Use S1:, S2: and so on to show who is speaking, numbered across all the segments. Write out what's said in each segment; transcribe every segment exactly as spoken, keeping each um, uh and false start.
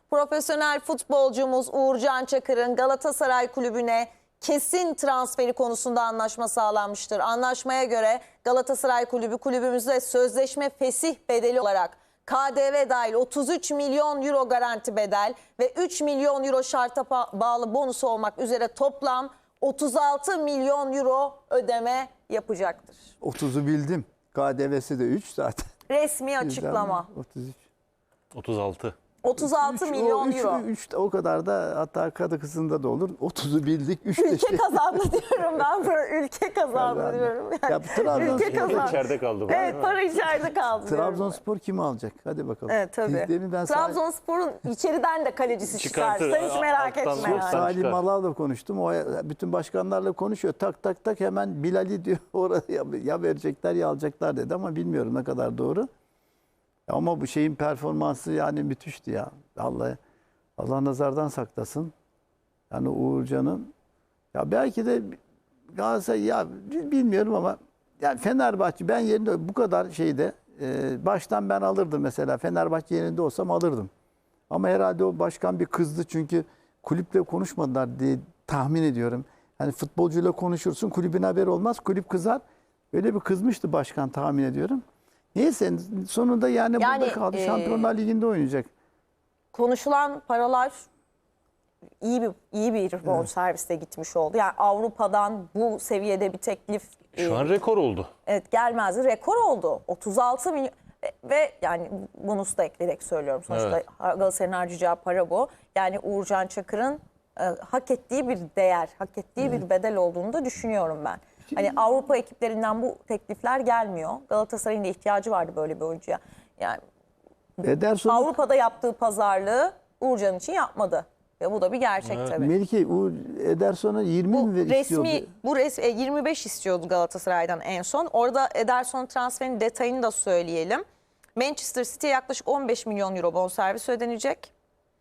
S1: Profesyonel futbolcumuz Uğurcan Çakır'ın Galatasaray Kulübü'ne kesin transferi konusunda anlaşma sağlanmıştır. Anlaşmaya göre Galatasaray Kulübü kulübümüzde sözleşme fesih bedeli olarak K D V dahil otuz üç milyon euro garanti bedel ve üç milyon euro şarta bağlı bonusu olmak üzere toplam otuz altı milyon euro ödeme yapacaktır.
S2: otuzu bildim. K D V'si de üç zaten.
S1: Resmi açıklama.
S2: otuz üç.
S3: otuz altı.
S1: otuz altı milyon euro.
S2: üç o kadar da, hatta kadı kızında da olur. otuzu bildik. üç
S1: Ülke kazandı diyorum ben. Böyle ülke kazandı diyorum. Yani,
S2: ya bu Trabzonspor
S1: ülke kazandı.
S3: İçeride kaldı. Bu.
S1: Evet, para içeride kaldı.
S2: Trabzonspor kimi alacak? Hadi bakalım.
S1: Evet, tabii.
S2: Ben
S1: Trabzonspor'un içeriden de kalecisi çıkar.
S3: Çıkartır.
S1: Sen hiç merak
S3: Alttan
S1: etme.
S3: çok
S1: Yani.
S3: sağ-
S2: Salim
S3: çıkar.
S2: Malağ'la konuştum. O bütün başkanlarla konuşuyor. Tak tak tak hemen Bilal'i diyor. Oraya ya verecekler ya alacaklar dedi ama bilmiyorum ne kadar doğru. Ama bu şeyin performansı yani müthişti ya. Allah Allah nazardan saklasın. Yani Uğurcan'ın ya belki de Galatasaray ya bilmiyorum ama yani Fenerbahçe ben yerinde bu kadar şeyde e, baştan ben alırdım mesela. Fenerbahçe yerinde olsam alırdım. Ama herhalde o başkan bir kızdı çünkü kulüple konuşmadılar diye tahmin ediyorum. Hani futbolcuyla konuşursun, kulübün haberi olmaz, kulüp kızar. Öyle bir kızmıştı başkan tahmin ediyorum. Neyse sonunda yani,
S1: Yani,
S2: burada kaldı.
S1: e,
S2: Şampiyonlar Ligi'nde oynayacak.
S1: Konuşulan paralar iyi bir iyi bir bonservisle gitmiş oldu. Yani Avrupa'dan bu seviyede bir teklif
S3: Şu
S1: e,
S3: an rekor oldu.
S1: evet gelmezdi. Rekor oldu. otuz altı milyon ve yani bonus da ekleyerek söylüyorum. Sonuçta
S3: Evet.
S1: Galatasaray'ın harcayacağı para bu. Yani Uğurcan Çakır'ın e, hak ettiği bir değer, hak ettiği bir bedel olduğunu da düşünüyorum ben. Hani Avrupa ekiplerinden bu teklifler gelmiyor. Galatasaray'ın da ihtiyacı vardı böyle bir oyuncuya. Yani
S2: Ederson
S1: Avrupa'da yaptığı pazarlığı Uğurcan için yapmadı. Ve bu da bir gerçek tabii.
S2: Melike o Ederson'a yirmi
S1: Bu
S2: mi istiyordu?
S1: resmi bu res, e, yirmi beş istiyordu Galatasaray'dan en son. Orada Ederson transferinin detayını da söyleyelim. Manchester City'ye yaklaşık on beş milyon euro bonservis ödenecek.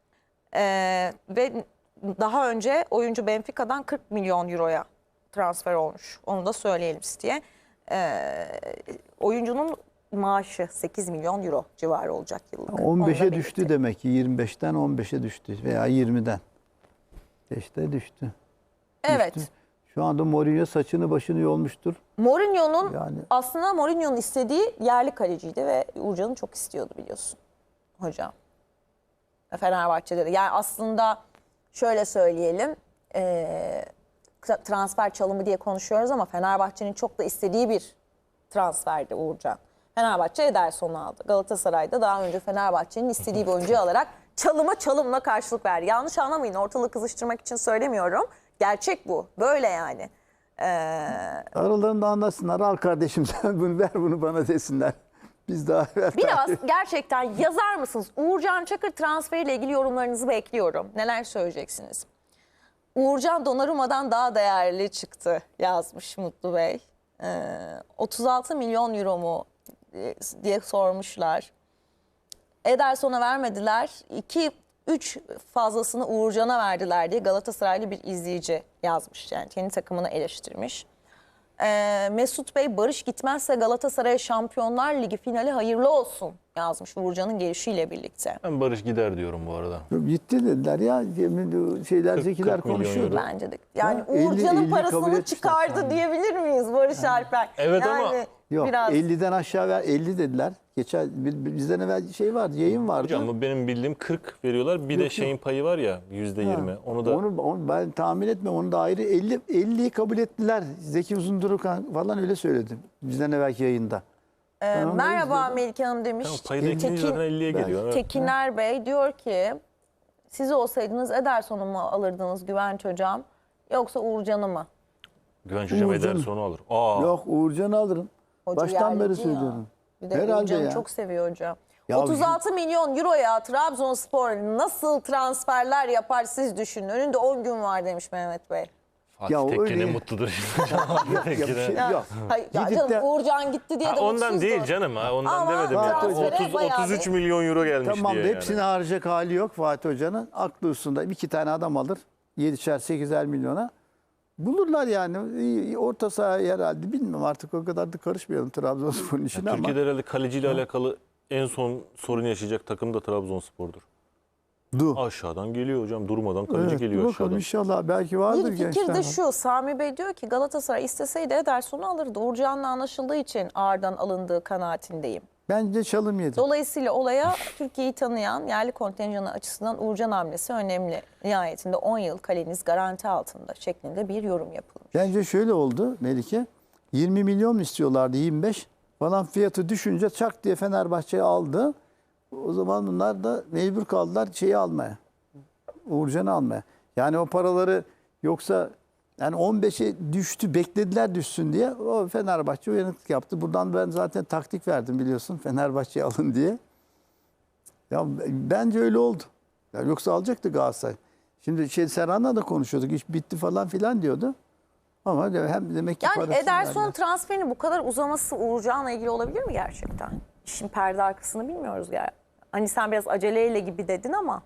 S1: Ee, ve daha önce oyuncu Benfica'dan kırk milyon euroya transfer olmuş. Onu da söyleyelim City'ye. Ee, oyuncunun maaşı sekiz milyon euro civarı olacak yıllık.
S2: on beşe
S1: Onu da
S2: düştü
S1: belirtelim.
S2: demek ki yirmi beşten on beşe düştü veya yirmiden. İşte düştü.
S1: Evet.
S2: Düştü. Şu anda Mourinho saçını başını yolmuştur.
S1: Mourinho'nun
S2: Yani-
S1: aslında Mourinho'nun istediği yerli kaleciydi ve Uğurcan'ı çok istiyordu biliyorsun hocam. Fenerbahçe'de de. Yani aslında şöyle söyleyelim, e, transfer çalımı diye konuşuyoruz ama Fenerbahçe'nin çok da istediği bir transferdi Uğurcan. Fenerbahçe Ederson'u aldı. Galatasaray'da daha önce Fenerbahçe'nin istediği bir oyuncuyu alarak çalıma çalımla karşılık verdi. Yanlış anlamayın, ortalığı kızıştırmak için söylemiyorum. Gerçek bu. Böyle yani. Ee,
S2: Aralarında anlasınlar. Al kardeşim sen bunu ver bunu bana desinler. Biz daha evvel
S1: Biraz gerçekten yazar mısınız? Uğurcan Çakır transferiyle ilgili yorumlarınızı bekliyorum. Neler söyleyeceksiniz? Uğurcan Donnarumma'dan daha değerli çıktı yazmış Mutlu Bey. Ee, otuz altı milyon euro mu e, diye sormuşlar. Ederson'a vermediler. iki üç fazlasını Uğurcan'a verdiler diye Galatasaraylı bir izleyici yazmış. Yani kendi takımını eleştirmiş. Ee, Mesut Bey Barış gitmezse Galatasaray'a Şampiyonlar Ligi finali hayırlı olsun yazmış Uğurcan'ın gelişiyle birlikte.
S3: Ben Barış gider diyorum bu arada.
S2: gitti dediler ya. Şeyler
S3: kırk-
S2: zekiler
S3: kırk milyon
S2: konuşuyordu.
S3: euro.
S1: Bence de. Yani
S2: Ya, elli-
S1: Uğurcan'ın
S2: elli kabul
S1: parasını
S2: etmişler
S1: çıkardı
S2: sanırım.
S1: diyebilir miyiz Barış Alper?
S3: Evet ama-
S1: yani
S2: Yok
S1: biraz
S2: elliden aşağı ver elli dediler. Geçen bizden evvel şey vardı, yayın vardı.
S3: Hocam bu benim bildiğim kırk veriyorlar. Bir
S2: Yok,
S3: de
S2: yok.
S3: şeyin payı var ya yüzde yirmi. Onu da
S2: Onu, onu ben tahmin etmem. Onu da ayrı elli elliyi kabul ettiler. Zeki Uzunduruk falan öyle söyledi. Bizden evvelki yayında.
S1: Ee,
S2: Ben onu
S1: merhaba
S2: izledim.
S1: Melike Hanım demiş.
S3: tamam, payı da ekleyince zaten elliye
S2: Ben-
S3: geliyor. Evet.
S1: Tekiner Bey diyor ki siz olsaydınız Ederson'u mu alırdınız Güvenç Hocam yoksa Uğurcan'ı mı?
S3: Güvenç Hocam
S2: Uğurcan-
S3: Ederson'u alır. Aa,
S2: Yok Uğurcan'ı alırım.
S1: Hoca
S2: Baştan beri
S1: yerlici ya.
S2: söylüyorum.
S1: Bir de
S2: Herhalde
S1: Uğurcan'ı
S2: ya.
S1: çok seviyor hocam.
S2: Ya
S1: otuz altı milyon euroya Trabzonspor nasıl transferler yapar siz düşünün. Önünde on gün var demiş Mehmet Bey.
S3: Fatih
S2: Ya o
S3: Tekke
S2: öyle-
S3: ne mutludur.
S2: Ya bir şey
S1: Ya,
S2: yok.
S1: hayır, ya
S2: Gidip
S1: canım
S2: de-
S1: Uğurcan gitti diye
S3: Ha,
S1: de
S3: ondan
S1: mutsuzdu.
S3: değil canım ha. Ondan
S1: Ama
S3: demedim
S2: Fatih
S3: ya.
S1: transfere
S3: otuz,
S1: bayağı
S3: otuz üç
S1: bir-
S3: milyon euro gelmiş
S2: Tamam
S3: diye
S2: hepsini
S3: yani.
S2: harcayacak hali yok Fatih Hoca'nın. Aklı üstünde iki tane adam alır. yedişer sekizer milyona. Bulurlar yani. İyi, orta saha herhalde. Bilmiyorum artık o kadar da karışmayalım Trabzonspor'un işine ama.
S3: Türkiye'de herhalde kaleciyle alakalı en son sorun yaşayacak takım da Trabzonspor'dur.
S2: Du.
S3: Aşağıdan geliyor hocam. Durmadan kaleci
S2: Evet,
S3: geliyor
S2: dur
S3: aşağıdan.
S2: bakalım inşallah belki vardır
S1: Bir fikir
S2: gençler.
S1: de şu, Sami Bey diyor ki Galatasaray isteseydi Ederson'u alırdı. Uğurcan'la anlaşıldığı için ağırdan alındığı kanaatindeyim.
S2: Bence çalım yedi.
S1: Dolayısıyla olaya Türkiye'yi tanıyan yerli kontenjanı açısından Uğurcan hamlesi önemli. Nihayetinde on yıl kaleniz garanti altında şeklinde bir yorum yapılmış.
S2: Bence şöyle oldu Melike. yirmi milyon mu istiyorlardı, yirmi beş falan, fiyatı düşünce çak diye Fenerbahçe'yi aldı. O zaman bunlar da mecbur kaldılar şeyi almaya. Uğurcan'ı almaya. Yani o paraları yoksa yani on beşe düştü, beklediler düşsün diye. O Fenerbahçe uyanıklık yaptı. Buradan ben zaten taktik verdim biliyorsun, Fenerbahçe'yi alın diye. Ya bence öyle oldu. Ya yoksa alacaktı Galatasaray. Şimdi şey Serhan'la da konuşuyorduk. İş bitti falan filan diyordu. Ama de- hem demek ki
S1: Yani
S2: parasını
S1: Ederson
S2: verdiler.
S1: transferinin bu kadar uzaması Uğurcan'la ilgili olabilir mi gerçekten? İşin perde arkasını bilmiyoruz yani. Hani sen biraz aceleyle gibi dedin ama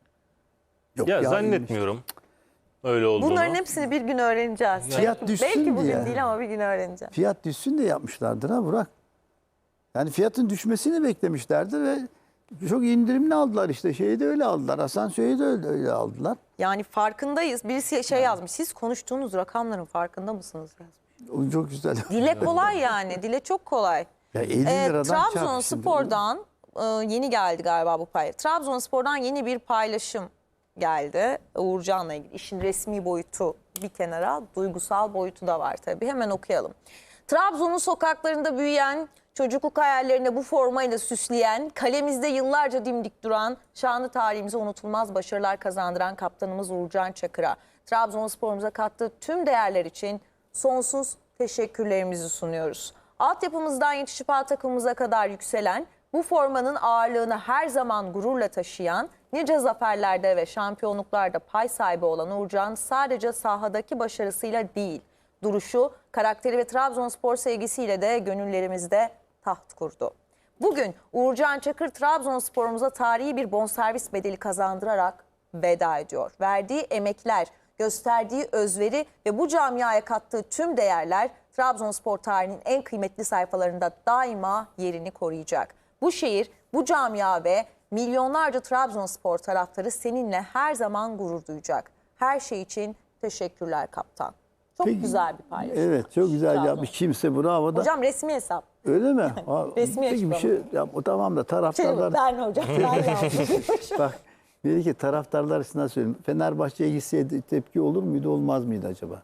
S2: Yok
S3: Ya,
S2: ya,
S3: zannetmiyorum öyle olduğunu.
S1: bunların hepsini bir gün öğreneceğiz.
S2: Fiyat
S1: Belki-
S2: düşsün
S1: Belki bugün
S2: diye.
S1: değil ama bir gün öğreneceğiz.
S2: Fiyat düşsün de yapmışlardır ha Burak. Yani fiyatın düşmesini beklemişlerdi ve çok indirimli aldılar işte. Şeyi de öyle aldılar. Asansörü de öyle, öyle aldılar.
S1: Yani farkındayız. Birisi şey yazmış. Siz konuştuğunuz rakamların farkında mısınız? Yazmış.
S2: O çok güzel.
S1: Dile kolay yani. Dile çok kolay.
S2: Ya elli
S1: Ee,
S2: liradan çarp şimdi.
S1: Trabzonspor'dan e, yeni geldi galiba bu paylaşım. Trabzonspor'dan yeni bir paylaşım geldi. Uğurcan'la ilgili. İşin resmi boyutu bir kenara, duygusal boyutu da var tabii. Hemen okuyalım. Trabzon'un sokaklarında büyüyen, çocukluk hayallerinde bu formayla süsleyen, kalemizde yıllarca dimdik duran, şanlı tarihimize unutulmaz başarılar kazandıran kaptanımız Uğurcan Çakır'a, Trabzonspor'umuza kattığı tüm değerler için sonsuz teşekkürlerimizi sunuyoruz. Altyapımızdan yetişip A takımımıza kadar yükselen, bu formanın ağırlığını her zaman gururla taşıyan, nice zaferlerde ve şampiyonluklarda pay sahibi olan Uğurcan sadece sahadaki başarısıyla değil, duruşu, karakteri ve Trabzonspor sevgisiyle de gönüllerimizde taht kurdu. Bugün Uğurcan Çakır Trabzonspor'umuza tarihi bir bonservis bedeli kazandırarak veda ediyor. Verdiği emekler, gösterdiği özveri ve bu camiaya kattığı tüm değerler Trabzonspor tarihinin en kıymetli sayfalarında daima yerini koruyacak. Bu şehir, bu camia ve milyonlarca Trabzonspor taraftarı seninle her zaman gurur duyacak. Her şey için teşekkürler kaptan. Çok
S2: Peki,
S1: güzel bir paylaşım.
S2: Evet çok güzel
S1: Trabzon.
S2: yapmış. Kimse bravo da.
S1: Hocam resmi hesap.
S2: Öyle mi? Ha,
S1: Resmi
S2: peki bir
S1: açıklama.
S2: şey ya, o tamam da
S1: Şey,
S2: taraftarlar.
S1: ben hocam ben yazdım.
S2: Bak dedi ki taraftarlar açısından söyleyeyim. Fenerbahçe'ye gitseydi tepki olur muydu olmaz mıydı acaba?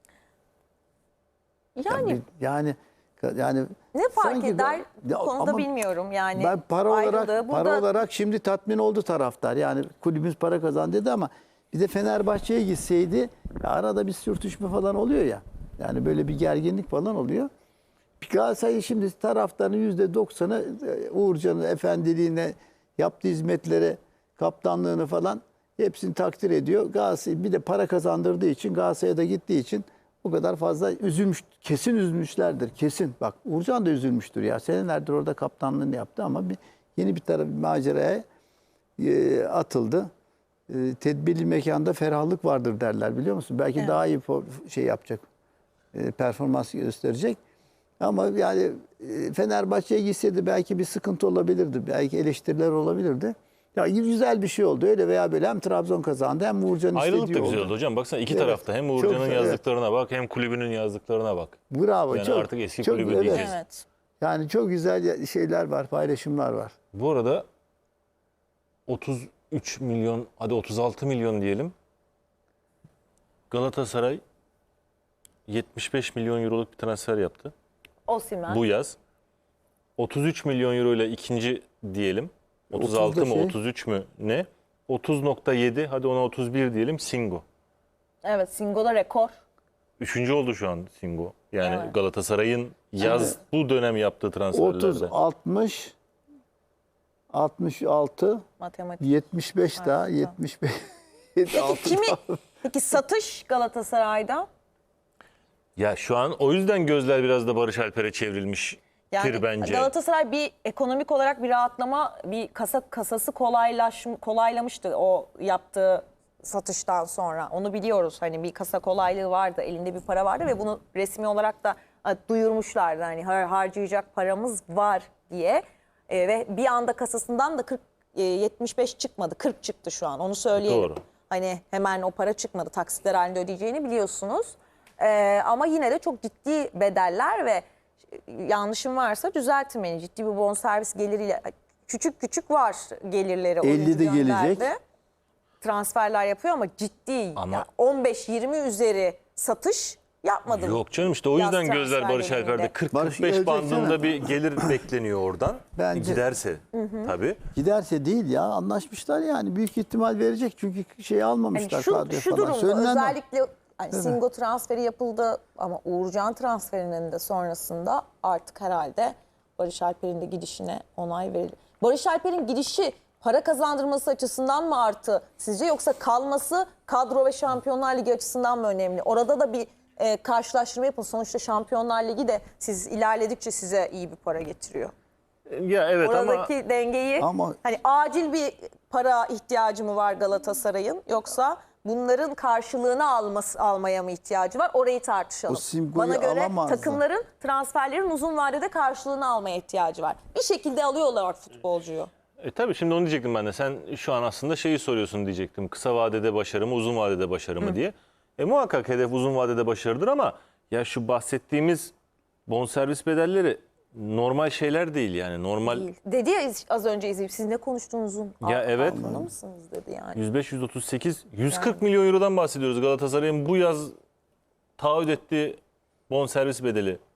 S1: Yani
S2: yani yani
S1: ne fark
S2: sanki
S1: eder
S2: da-
S1: bu
S2: Ya
S1: konuda
S2: ama
S1: bilmiyorum yani.
S2: Ben para olarak
S1: Ayrıldı.
S2: para
S1: Burada
S2: olarak şimdi tatmin oldu taraftar. Yani kulübümüz para kazandı dedi ama bir de Fenerbahçe'ye gitseydi ya arada bir sürtüşme falan oluyor ya. Yani böyle bir gerginlik falan oluyor. Galatasaray şimdi taraftarın yüzde doksanı Uğurcan'ın efendiliğine, yaptığı hizmetlere, kaptanlığını falan hepsini takdir ediyor. Galatasaray bir de para kazandırdığı için, Galatasaray'a da gittiği için o kadar fazla üzülmüş, kesin üzülmüşlerdir. Kesin. Bak Uğurcan da üzülmüştür ya. Senelerdir orada kaptanlığını yaptı ama bir, yeni bir taraf bir maceraya e, atıldı. E, tedbirli mekanda ferahlık vardır derler biliyor musun? Belki
S1: Evet.
S2: daha iyi po- şey yapacak, e, performans gösterecek. Ama yani e, Fenerbahçe'ye gitseydi belki bir sıkıntı olabilirdi. Belki eleştiriler olabilirdi. Ya güzel bir şey oldu öyle veya böyle, hem Trabzon kazandı hem Uğurcan'ın
S3: Ayrılık
S2: istediği
S3: da güzel
S2: oldu.
S3: oldu hocam. Baksana iki
S2: Evet,
S3: tarafta hem
S2: çok
S3: Uğurcan'ın
S2: güzel, evet.
S3: yazdıklarına bak hem kulübünün yazdıklarına bak.
S2: Bravo.
S3: Yani
S2: çok,
S3: artık eski
S2: çok,
S3: kulübü
S2: evet.
S3: diyeceğiz.
S1: evet.
S2: Yani çok güzel şeyler var, paylaşımlar var.
S3: Bu arada otuz üç milyon, hadi otuz altı milyon diyelim. Galatasaray yetmiş beş milyon euroluk bir transfer yaptı
S1: Osimhen.
S3: bu yaz. otuz üç milyon euro ile ikinci diyelim. otuz
S2: otuz da
S3: altı mı
S2: şey.
S3: otuz üç mü ne? otuz nokta yedi, hadi ona otuz bir diyelim, Singo.
S1: Evet, Singo'da rekor.
S3: Üçüncü oldu şu an Singo. Yani
S1: Evet.
S3: Galatasaray'ın yaz bu dönem yaptığı transferlerde.
S2: otuz, altmış, altmış altı,
S1: Matematik.
S2: yetmiş beş daha,
S1: Harika.
S2: yetmiş beş.
S1: Peki
S2: altı
S1: kimi?
S2: daha.
S1: Peki satış Galatasaray'da?
S3: Ya şu an o yüzden gözler biraz da Barış Alper'e çevrilmiştir
S1: Yani
S3: bence.
S1: Galatasaray bir ekonomik olarak bir rahatlama, bir kasa kasası kolaylaş kolaylamıştı o yaptığı satıştan sonra. Onu biliyoruz. Hani bir kasa kolaylığı vardı, elinde bir para vardı ve bunu resmi olarak da e, duyurmuşlardı. Hani har harcayacak paramız var diye. E, ve bir anda kasasından da kırk e, yetmiş beş çıkmadı, kırk çıktı şu an. Onu söyleyelim.
S3: Doğru.
S1: Hani hemen o para çıkmadı. Taksitler halinde ödeyeceğini biliyorsunuz. Ee, ama yine de çok ciddi bedeller ve yanlışım varsa düzeltin beni. Ciddi bir bonservis geliriyle küçük küçük var gelirleri. oyuncu
S2: elli de gelecek.
S1: gönderdi. Transferler yapıyor ama ciddi
S3: Ama-
S1: yani on beş yirmi üzeri satış yapmadı.
S3: Yok canım işte o
S1: Yaz
S3: yüzden gözler
S1: transfer
S3: Barış
S1: döneminde.
S3: Alper'de
S2: Barış
S3: kırk kırk beş
S2: ölecek
S3: bandında
S2: sana.
S3: bir gelir bekleniyor oradan.
S2: Bence-
S3: Giderse tabii.
S2: Giderse değil ya, anlaşmışlar yani, büyük ihtimal verecek çünkü şey
S1: Yani
S2: almamışlar
S1: şu,
S2: kadroya
S1: şu
S2: falan.
S1: durumda
S2: Söylenen o.
S1: özellikle hani Singo transferi yapıldı ama Uğurcan transferinin de sonrasında artık herhalde Barış Alper'in de gidişine onay verildi. Barış Alper'in gidişi para kazandırması açısından mı artı sizce, yoksa kalması kadro ve Şampiyonlar Ligi açısından mı önemli? Orada da bir e, karşılaştırma yapın. Sonuçta Şampiyonlar Ligi de siz ilerledikçe size iyi bir para getiriyor.
S3: Ya evet ama
S1: Oradaki dengeyi
S2: Ama-
S1: hani acil bir para ihtiyacı mı var Galatasaray'ın, yoksa bunların karşılığını alması, almaya mı ihtiyacı var? Orayı tartışalım.
S2: O Singo'yu
S1: Bana göre
S2: alamazdı.
S1: takımların transferlerin uzun vadede karşılığını almaya ihtiyacı var. Bir şekilde alıyorlar futbolcuyu.
S3: E tabii şimdi onu diyecektim ben de. Sen şu an aslında şeyi soruyorsun diyecektim. Kısa vadede başarı mı, uzun vadede başarı mı diye. E muhakkak hedef uzun vadede başarıdır ama ya şu bahsettiğimiz bonservis bedelleri normal şeyler değil yani. Normal
S1: Değil. Dedi ya az önce izleyip, siz ne konuştuğunuzun
S3: Ya
S1: ar-
S3: evet.
S1: farkında mısınız dedi yani.
S3: yüz beş yüz otuz sekiz yüz kırk milyon eurodan bahsediyoruz. Galatasaray'ın bu yaz taahhüt ettiği bonservis bedeli.